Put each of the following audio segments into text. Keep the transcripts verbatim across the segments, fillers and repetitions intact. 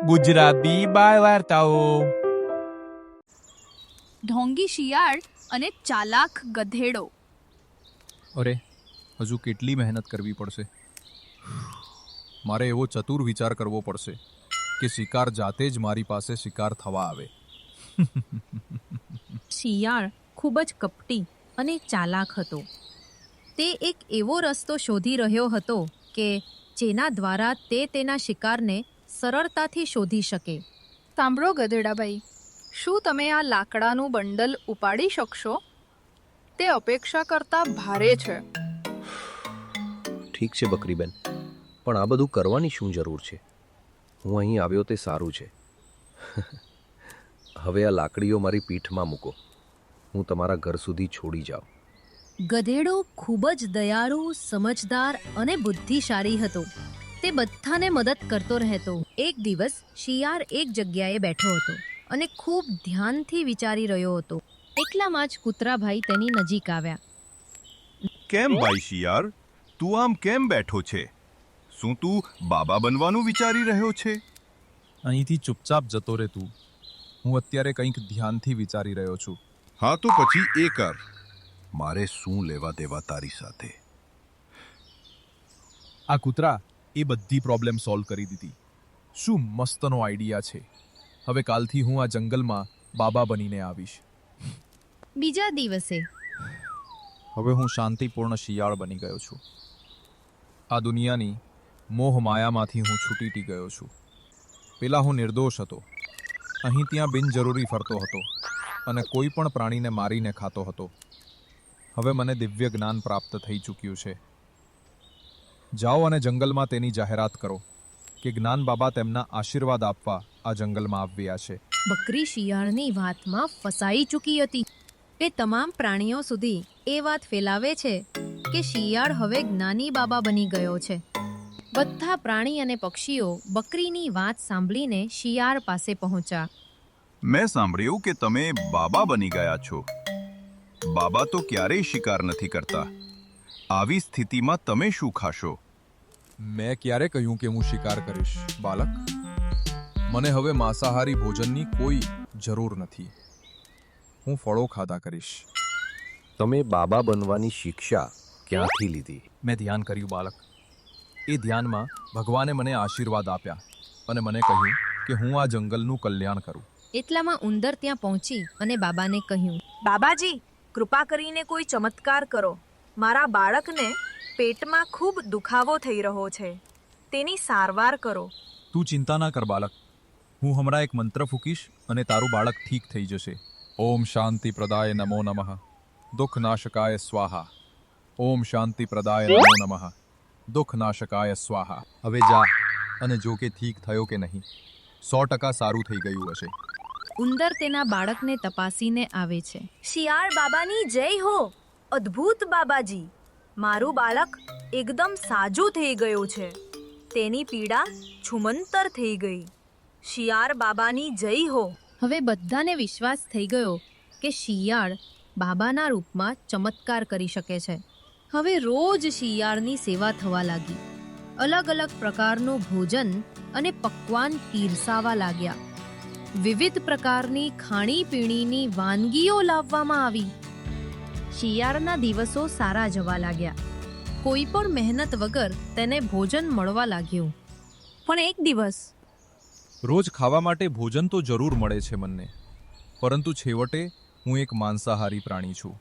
ગુજરાતી બાળ વાર્તાઓ. ઢોંગી શિયાળ અને ચાલાક ગધેડો. અરે હજુ કેટલી મહેનત કરવી પડશે. મારે એવો ચતુર વિચાર કરવો પડશે કે શિકાર જાતે જ મારી પાસે શિકાર થવા આવે. શિયાળ ખૂબ જ કપટી અને ચાલાક હતો. તે એક એવો રસ્તો શોધી રહ્યો હતો કે જેના દ્વારા તે તેના શિકારને સરળતાથી શોધી શકે. સાંભળો ગધેડાભાઈ, શું તમે આ લાકડાનું બંડલ ઉપાડી શકશો? તે અપેક્ષા કરતાં ભારે છે. ઠીક છે બકરીબેન, પણ આ બધું કરવાની શું જરૂર છે? હું અહીં આવ્યો તે સારું છે. હવે આ લાકડીઓ મારી પીઠમાં મૂકો. હું તમારા ઘર સુધી છોડી જાઉં. ગધેડો ખૂબ જ દયાળુ, સમજદાર અને બુદ્ધિશાળી હતો. તે બધાને મદદ કરતો રહેતો. એક દિવસ શિયાળ એક જગ્યાએ બેઠો હતો અને ખૂબ ધ્યાનથી વિચારી રહ્યો હતો. એકલામાં જ કૂતરાભાઈ તેની નજીક આવ્યા. કેમ ભાઈ શિયાળ, તું આમ કેમ બેઠો છે? શું તું બાબા બનવાનું વિચારી રહ્યો છે? અહીંથી ચૂપચાપ જતો રહે તું. હું અત્યારે કંઈક ધ્યાનથી વિચારી રહ્યો છું. હા તો પછી એ કર. મારે શું લેવા દેવા તારી સાથે? આ કૂતરા એ બધી પ્રોબ્લેમ સોલ્વ કરી દીધી. શું મસ્તનો આઈડિયા છે. હવે કાલથી હું આ જંગલમાં બાબા બનીને આવીશ. બીજા દિવસે હવે હું શાંતિપૂર્ણ શિયાળ બની ગયો છું. આ દુનિયાની મોહ માયામાંથી હું છૂટી ગયો છું. પેલા હું નિર્દોષ હતો. અહીં ત્યાં બિનજરૂરી ફરતો હતો અને કોઈ પણ પ્રાણીને મારીને ખાતો હતો. હવે મને દિવ્ય જ્ઞાન પ્રાપ્ત થઈ ચૂક્યું છે. જાઓ અને જંગલમાં તેની જાહેરાત કરો કે જ્ઞાન બાબા તેમના આશીર્વાદ આપવા આ જંગલમાં આવ્યા છે. બકરી શિયાળની વાતમાં ફસાઈ ચૂકી હતી. તે તમામ પ્રાણીઓ સુધી એ વાત ફેલાવે છે કે શિયાળ હવે જ્ઞાની બાબા બની ગયો છે. બધા પ્રાણી અને પક્ષીઓ બકરીની વાત સાંભળીને શિયાળ પાસે પહોંચ્યા. મેં સાંભળ્યું કે તમે બાબા બની ગયા છો. બાબા તો ક્યારેય શિકાર નથી કરતા. આવી સ્થિતિમાં તમે શું ખાશો? મેં ક્યારે કહ્યું કે હું શિકાર કરીશ બાલક? મને હવે માંસાહારી ભોજનની કોઈ જરૂર નથી. હું ફળો ખાધા કરીશ. તમે બાબા બનવાની શિક્ષા ક્યાંથી લીધી? મેં ધ્યાન કર્યું બાલક. એ ધ્યાનમાં ભગવાને મને આશીર્વાદ આપ્યા અને મને કહ્યું કે હું આ જંગલનું કલ્યાણ કરું. એટલામાં ઉંદર ત્યાં પહોંચી અને બાબાને કહ્યું, બાબાજી, કૃપા કરીને કોઈ ચમત્કાર કરો. મારા બાળકને પેટમાં ખૂબ દુખાવો થઈ રહ્યો છે. તેની સારવાર કરો. તું ચિંતા ના કર બાલક. હું હમણાં એક મંત્ર ફૂંકીશ અને તારું બાળક ઠીક થઈ જશે. ઓમ શાંતિ પ્રદાય નમો નમઃ. દુઃખ નાશકાય સ્વાહા. ઓમ શાંતિ પ્રદાય નમો નમઃ. દુઃખ નાશકાય સ્વાહા. હવે જા અને જો કે ઠીક થયો કે નહીં. સો ટકા સારું થઈ ગયું હશે. ઉંદર તેના બાળકને તપાસીને આવે છે. શિયાળ બાબાની જય હો. અદ્ભુત બાબાજી, મારું બાળક એકદમ સાજું થઈ ગયું છે. તેની પીડા છુમંતર થઈ ગઈ. શિયાળ બાબાની જય હો. હવે બધાને વિશ્વાસ થઈ ગયો કે શિયાળ બાબાના રૂપમાં ચમત્કાર કરી શકે છે. હવે રોજ શિયાળની સેવા થવા લાગી. અલગ અલગ પ્રકારનું ભોજન અને પકવાન પીરસાવા લાગ્યા. વિવિધ પ્રકારની ખાણીપીણીની વાનગીઓ લાવવામાં આવી. શિયાળના દિવસો સારા જવા લાગ્યા. કોઈ પણ મહેનત વગર તેને ભોજન મળવા લાગ્યું. પણ એક દિવસ રોજ ખાવા માટે ભોજન તો જરૂર મળે છે મને, પરંતુ છેવટે હું એક માંસાહારી પ્રાણી છું.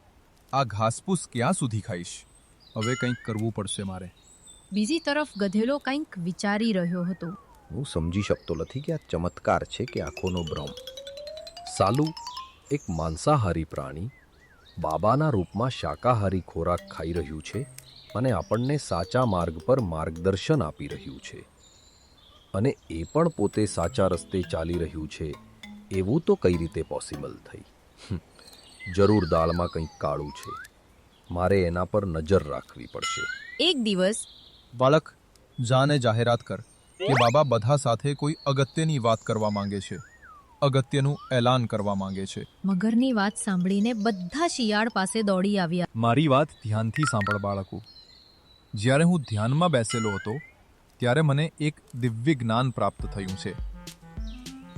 આ ઘાસપૂસ ક્યાં સુધી ખાઈશ? હવે કંઈક કરવું પડશે મારે. બીજી તરફ ગધેડો કંઈક વિચારી રહ્યો હતો. હું સમજી શકતો નથી કે આ ચમત્કાર છે કે આંખોનો ભ્રમ. સાલું, એક માંસાહારી પ્રાણી બાબાના રૂપમાં શાકાહારી ખોરાક ખાઈ રહ્યું છે અને આપણને સાચા માર્ગ પર માર્ગદર્શન આપી રહ્યું છે. અને એ પણ પોતે સાચા રસ્તે ચાલી રહ્યું છે એવું તો કઈ રીતે પોસિબલ થઈ? જરૂર દાળમાં કંઈક કાળું છે. મારે એના પર નજર રાખવી પડશે. એક દિવસ બાળક, જાને જાહેરાત કર કે બાબા બધા સાથે કોઈ અગત્યની વાત કરવા માંગે છે. અગત્યનું એલાન કરવા માંગે છે. મગરની વાત સાંભળીને બધા શિયાળ પાસે દોડી આવ્યા. મારી વાત ધ્યાનથી સાંભળ બાળકો. જ્યારે હું ધ્યાનમાં બેસેલો હતો ત્યારે મને એક દિવ્ય જ્ઞાન પ્રાપ્ત થયું છે.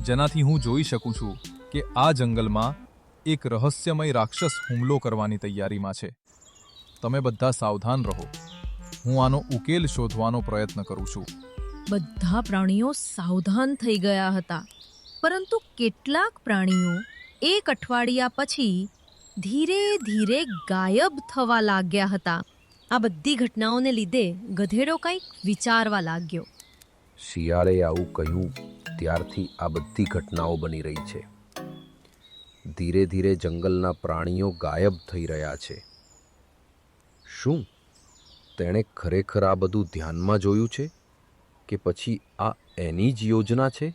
જેનાથી હું જોઈ શકું છું કે આ જંગલમાં એક રહસ્યમય રાક્ષસ હુમલો કરવાની તૈયારીમાં છે. તમે બધા સાવધાન રહો. હું આનો ઉકેલ શોધવાનો પ્રયત્ન કરું છું. બધા પ્રાણીઓ સાવધાન થઈ ગયા હતા, પરંતુ કેટલાક પ્રાણીઓ એક અઠવાડિયા પછી ધીરે ધીરે ગાયબ થવા લાગ્યા હતા. આ બધી ઘટનાઓને લીધે ગધેડો કંઈક વિચારવા લાગ્યો. શિયાળે આવું કહ્યું ત્યારથી આ બધી ઘટનાઓ બની રહી છે. ધીરે ધીરે જંગલના પ્રાણીઓ ગાયબ થઈ રહ્યા છે. શું તેણે ખરેખર આ બધું ધ્યાનમાં જોયું છે કે પછી આ એની જ યોજના છે?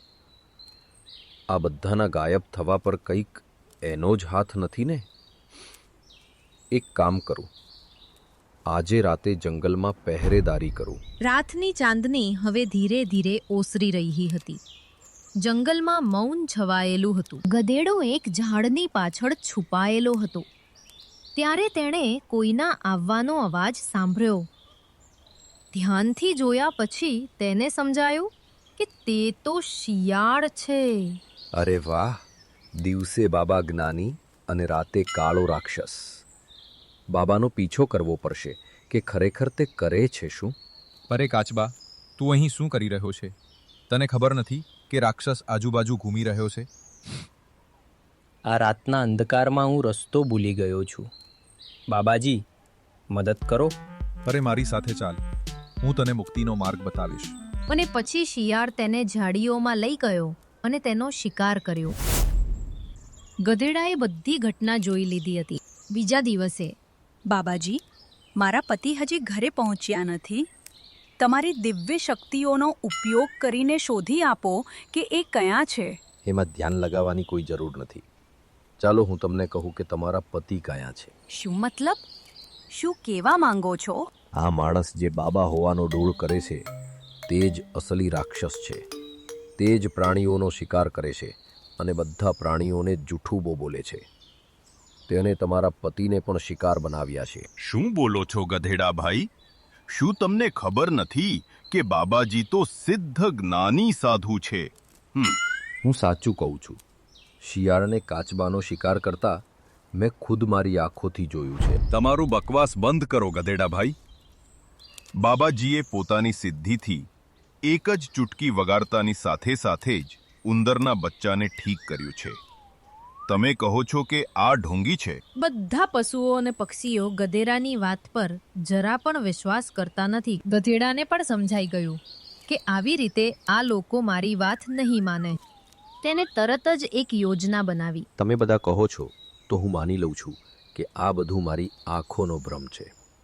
આ બધાના ગાયબ થવા પર કંઈક એનો જ હાથ નથી ને? એક કામ કરું, આજે રાતે જંગલમાં પહેરેદારી કરું. રાતની ચાંદની હવે ધીરે ધીરે ઓસરી રહી હતી. જંગલમાં મૌન છવાયેલું હતું. ગધેડો એક ઝાડની પાછળ છુપાયેલો હતો. ત્યારે તેણે કોઈના આવવાનો અવાજ સાંભળ્યો. ધ્યાનથી જોયા પછી તેને સમજાયું કે તે તો શિયાળ છે. અરે વાહ! દિવસે બાબા જ્ઞાની અને રાતે કાળો રાક્ષસ. બાબાનો પીછો કરવો પડશે કે ખરેખર તે કરે છે શું? અરે કાચબા, તું અહીં શું કરી રહ્યો છે? તને ખબર નથી કે રાક્ષસ આજુબાજુ ઘૂમી રહ્યો છે? આ રાતના અંધકારમાં હું રસ્તો ભૂલી ગયો છું. બાબાજી, મદદ કરો. અરે મારી સાથે ચાલ, હું તને મુક્તિનો માર્ગ બતાવીશ. અને પછી શિયાળ તેને ઝાડીઓમાં લઈ ગયો અને તેનો શિકાર કર્યો. ગધેડાએ બધી ઘટના જોઈ લીધી હતી. બીજા દિવસે, બાબાજી, મારા પતિ હજી ઘરે પહોંચ્યા નથી. તમારી દિવ્ય શક્તિઓનો ઉપયોગ કરીને શોધી આપો કે એ ક્યાં છે. એમાં ધ્યાન લગાવવાની કોઈ જરૂર નથી. ચાલો હું તમને કહું કે તમારા પતિ કયા છે. શું મતલબ? શું કહેવા માંગો છો? આ માણસ જે બાબા હોવાનો ડોળ કરે છે તે જ અસલી રાક્ષસ છે. તે જ પ્રાણીઓનો શિકાર કરે છે અને બધા પ્રાણીઓને જૂઠું બો બોલે છે. તેને તમારા પતિને પણ શિકાર બનાવ્યા છે. શું બોલો છો ગધેડા ભાઈ? શું તમને ખબર નથી કે બાબાજી તો સિદ્ધ જ્ઞાની સાધુ છે? હમ હું સાચું કહું છું. શિયાળને કાચબાનો શિકાર કરતા મેં ખુદ મારી આંખોથી જોયું છે. તમારું બકવાસ બંધ કરો ગધેડા ભાઈ. બાબાજીએ પોતાની સિદ્ધિથી એક જ ચૂટકી વગાડતાની સાથે સાથે જ ઉંદરના બચ્ચાને ઠીક કર્યું છે. તમે કહો છો કે આ ઢોંગી છે? બધા પશુઓ અને પક્ષીઓ ગધેડાની વાત પર જરા પણ વિશ્વાસ કરતા નથી. ગધેડાને પણ સમજાઈ ગયું કે આવી રીતે આ લોકો મારી વાત નહીં માને. તેને તરત જ એક યોજના બનાવી. તમે બધા કહો છો તો હું માની લઉં છું કે આ બધું મારી આંખોનો ભ્રમ છે.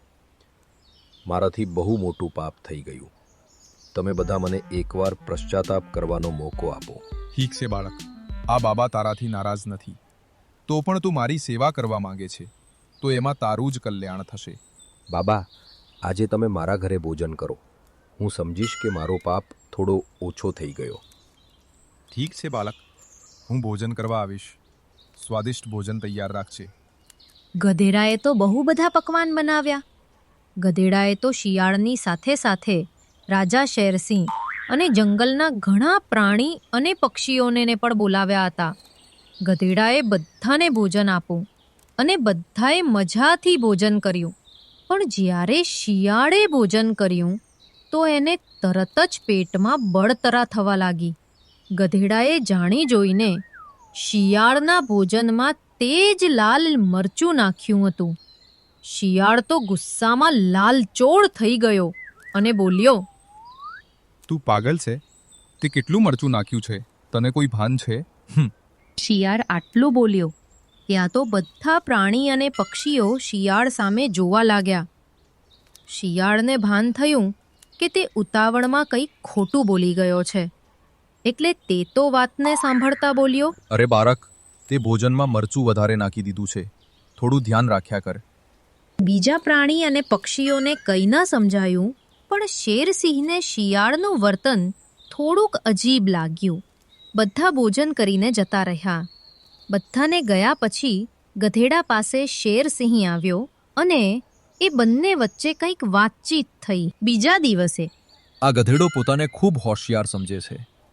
મારાથી બહુ મોટું પાપ થઈ ગયું. તમે બધા મને એકવાર પશ્ચાતાપ કરવાનો મોકો આપો. ઠીક છે બાળક, આ બાબા તારાથી નારાજ નથી. તો પણ તું મારી સેવા કરવા માંગે છે તો એમાં તારું જ કલ્યાણ થશે. બાબા, આજે તમે મારા ઘરે ભોજન કરો. હું સમજીશ કે મારો પાપ થોડો ઓછો થઈ ગયો. ઠીક છે બાળક, હું ભોજન કરવા આવીશ. સ્વાદિષ્ટ ભોજન તૈયાર રાખજે. ગધેડાએ તો બહુ બધા પકવાન બનાવ્યા. ગધેડાએ તો શિયાળની સાથે સાથે રાજા શેરસિંહ અને જંગલના ઘણા પ્રાણી અને પક્ષીઓને પણ બોલાવ્યા હતા. ગધેડાએ બધાને ભોજન આપ્યું અને બધાએ મજાથી ભોજન કર્યું. પણ જ્યારે શિયાળે ભોજન કર્યું તો એને તરત જ પેટમાં બળતરા થવા લાગી. ગધેડાએ જાણી જોઈને શિયાળના ભોજનમાં તેજ લાલ મરચું નાખ્યું હતું. શિયાળ તો ગુસ્સામાં લાલચોળ થઈ ગયો અને બોલ્યો, તું પાગલ છે? તે કેટલું મરચું નાખ્યું છે? તને કોઈ ભાન છે? હમ શિયાળ આટલું બોલ્યો ત્યાં તો બધા પ્રાણી અને પક્ષીઓ શિયાળ સામે જોવા લાગ્યા. શિયાળને ભાન થયું કે તે ઉતાવળમાં કંઈક ખોટું બોલી ગયો છે, એટલે તે તો વાતને સાંભળતા બોલ્યો, અરે બાળક, તે ભોજનમાં મરચું વધારે નાખી દીધું છે. થોડું ધ્યાન રાખ્યા કર. બીજા પ્રાણી અને પક્ષીઓને કંઈ ન સમજાયું, પણ શેરસિંહને શિયાળનું વર્તન થોડુંક અજીબ લાગ્યું. બધા ભોજન કરીને જતા રહ્યા. બધાને ગયા પછી ગધેડા પાસે શેરસિંહ આવ્યો અને એ બંને વચ્ચે કંઈક વાતચીત થઈ. બીજા દિવસે આ ગધેડો પોતાને ખૂબ હોશિયાર સમજે છે.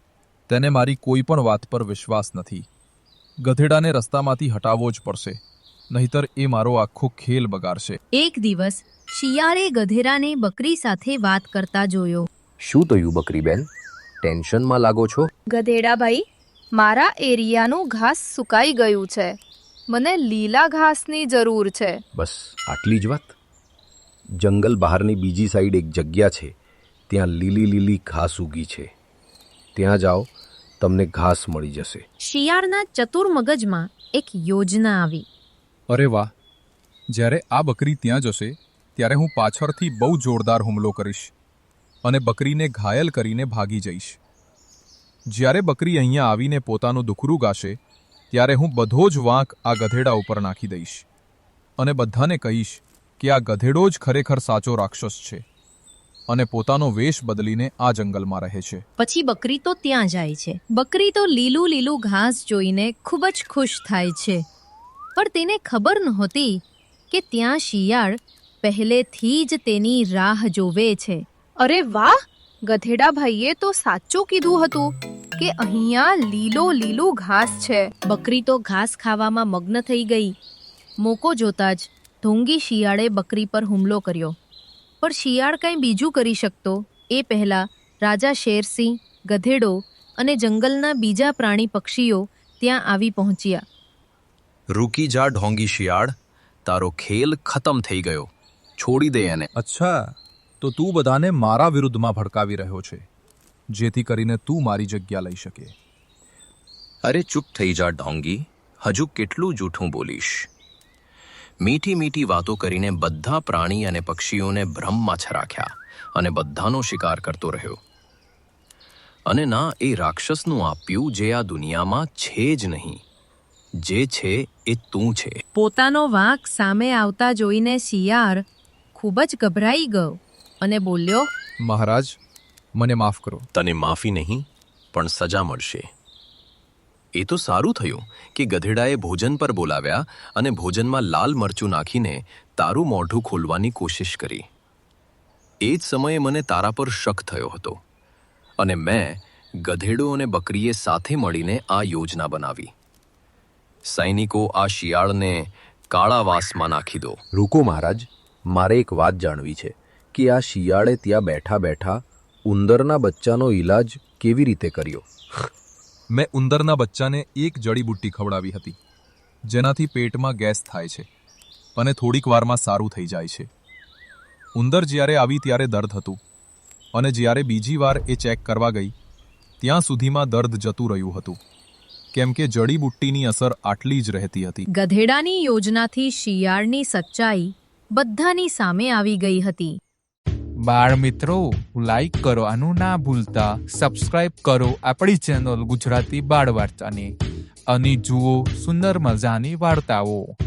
તેને મારી કોઈ પણ વાત પર વિશ્વાસ નથી. ગધેડાને રસ્તામાંથી હટાવવો જ પડશે, નહીતર એ મારો આખો ખેલ બગાડશે. એક દિવસ શિયાળે ગધેડાને બકરી સાથે વાત કરતા જોયો. શું થયું બકરીબેન? ટેન્શનમાં લાગો છો? ગધેડાભાઈ, મારા એરિયાનું ઘાસ સુકાઈ ગયું છે. મને લીલા ઘાસની જરૂર છે. બસ આટલી જ વાત? જંગલ બહારની બીજી સાઈડ એક જગ્યા છે, ત્યાં લીલી લીલી ઘાસ ઉગી છે. ત્યાં જાઓ, તમને ઘાસ મળી જશે. શિયાળના ચતુર મગજમાં એક યોજના આવી. અરે વાહ! જ્યારે આ બકરી ત્યાં જશે ત્યારે હું પાછળથી બહુ જોરદાર હુમલો કરીશ અને બકરીને ઘાયલ કરીને ભાગી જઈશ. જ્યારે બકરી અહીંયા આવીને પોતાનું દુખરું ગાશે ત્યારે હું બધો જ વાંક આ ગધેડા ઉપર નાખી દઈશ અને બધાને કહીશ કે આ ગધેડો જ ખરેખર સાચો રાક્ષસ છે અને પોતાનો વેશ બદલીને આ જંગલમાં રહે છે. પછી બકરી તો ત્યાં જાય છે. બકરી તો લીલું લીલું ઘાસ જોઈને ખૂબ જ ખુશ થાય છે, પણ તેને ખબર નહોતી કે ત્યાં શિયાળ પહેલેથી જ તેની રાહ જોવે છે. અરે વાહ! ગધેડાભાઈએ તો સાચું કીધું હતું કે અહીંયા લીલો લીલું ઘાસ છે. બકરી તો ઘાસ ખાવામાં મગ્ન થઈ ગઈ. મોકો જોતા જ ઢોંગી શિયાળે બકરી પર હુમલો કર્યો. પણ શિયાળ કંઈ બીજું કરી શકતો એ પહેલાં રાજા શેરસિંહ, ગધેડો અને જંગલના બીજા પ્રાણી પક્ષીઓ ત્યાં આવી પહોંચ્યા. રૂકી જા ઢોંગી શિયાળ, તારો ખેલ ખતમ થઈ ગયો. છોડી દે એને. અચ્છા, તો તું બધાને મારા વિરુદ્ધમાં ભડકાવી રહ્યો છે, જેથી કરીને તું મારી જગ્યા લઈ શકે. અરે ચૂપ થઈ જા ઢોંગી, હજુ કેટલું જૂઠું બોલીશ? મીઠી મીઠી વાતો કરીને બધા પ્રાણી અને પક્ષીઓને ભ્રમમાં છરાખ્યા અને બધાનો શિકાર કરતો રહ્યો. અને ના એ રાક્ષસનું આપ્યું જે આ દુનિયામાં છે જ નહીં. જે છે એ તું છે. પોતાનો વાંક સામે આવતા જોઈને શિયાળ ખૂબ જ ગભરાઈ ગયો અને બોલ્યો, મહારાજ, મને માફ કરો. તને માફી નહીં પણ સજા મળશે. એ તો સારું થયું કે ગધેડાએ ભોજન પર બોલાવ્યા અને ભોજનમાં લાલ મરચું નાખીને તારું મોઢું ખોલવાની કોશિશ કરી. એ જ સમયે મને તારા પર શક થયો હતો અને મેં ગધેડો અને બકરીએ સાથે મળીને આ યોજના બનાવી. સૈનિકો, આ શિયાળને કાળાવાસમાં નાખી દો. રૂકો મહારાજ, મારે એક વાત જાણવી છે કે આ શિયાળે ત્યાં બેઠા બેઠા ઉંદરના બચ્ચાનો ઈલાજ કેવી રીતે કર્યો? મેં ઉંદરના બચ્ચાને એક જડીબુટ્ટી ખવડાવી હતી, જેનાથી પેટમાં ગેસ થાય છે અને થોડીક વારમાં સારું થઈ જાય છે. ઉંદર જ્યારે આવી ત્યારે દર્દ હતું અને જ્યારે બીજી વાર એ ચેક કરવા ગઈ ત્યાં સુધીમાં દર્દ જતું રહ્યું હતું, કેમ કે જડીબુટ્ટીની અસર આટલી જ રહેતી હતી. ગધેડાની યોજનાથી શિયાળની સચ્ચાઈ બધાની સામે આવી ગઈ હતી. બાળ મિત્રો, લાઈક કરો આનું ના ભૂલતા, સબસ્ક્રાઇબ કરો આપણી ચેનલ ગુજરાતી બાળ વાર્તાને અને જુઓ સુંદર મજાની વાર્તાઓ.